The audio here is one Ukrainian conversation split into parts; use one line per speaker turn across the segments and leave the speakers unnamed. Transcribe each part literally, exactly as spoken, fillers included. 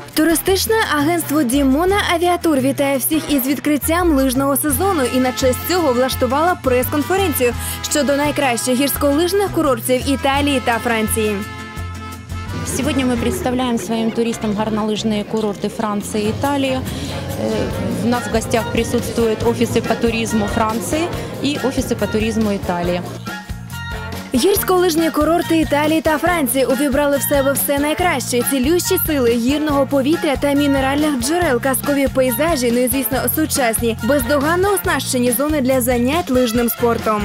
Туристичне агентство «Дімона Авіатур» вітає всіх із відкриттям лижного сезону і на честь цього влаштувала прес-конференцію щодо найкращих гірськолижних курортів Італії та Франції.
Сегодня мы представляем своим туристам горнолыжные курорты Франции и Италии. У нас в гостях присутствуют офисы по туризму Франции и офисы по туризму Италии.
Гірськолижні курорти Італії та Франції увібрали в себе все найкраще – цілющі сили, гірного повітря та мінеральних джерел, казкові пейзажі, ну і, звісно, сучасні, бездоганно оснащені зони для занять лижним спортом.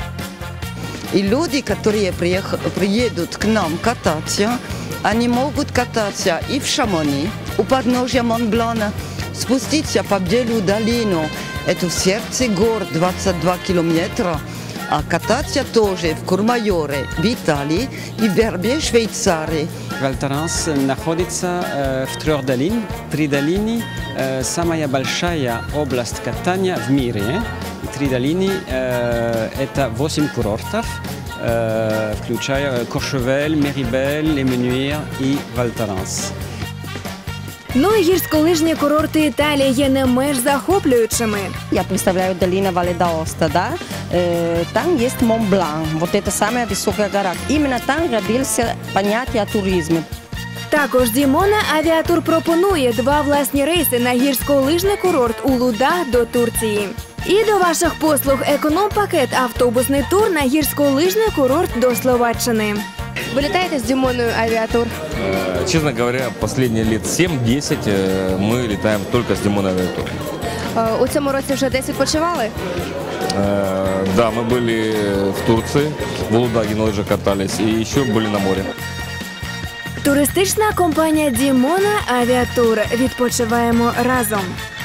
И люди, которые приедут к нам кататься, они могут кататься и в Шамони, у подножья Монблана, спуститься по Бделю долину, это в сердце гор двадцать два километра, а кататься тоже в Курмайоре, в Италии и в Вербе, Швейцарии.
Валь Торанс находится э, в трех долинах. Три долины э, – самая большая область катания в мире. Три долины э, – это восемь курортов, э, включая Кошевель, Мерибель, Лемюнюир и Валь Торанс.
Ну і гірськолижні курорти Італії є не менш захоплюючими.
Я представляю долину Вале д'Аоста, да? Там есть Монблан, вот это самая высокая гора. Именно там родился понятие о туризме.
Також «Дімона Авіатур» пропонує два власні рейси на гірськолижний курорт Улудağ до Турції. І до ваших послуг економ-пакет автобусний тур на гірськолижний курорт до Словаччини. Ви літаєте з «Дімоною Авіатур»?
Честно говоря, последние лет семь-десять мы летаем только с «Дімона Авіатур».
У цьому році вже десь відпочивали?
Да, мы были в Турции, в Улудаге на лыжах катались и еще были на море.
Туристична компанія «Дімона Авіатур». Відпочиваємо разом.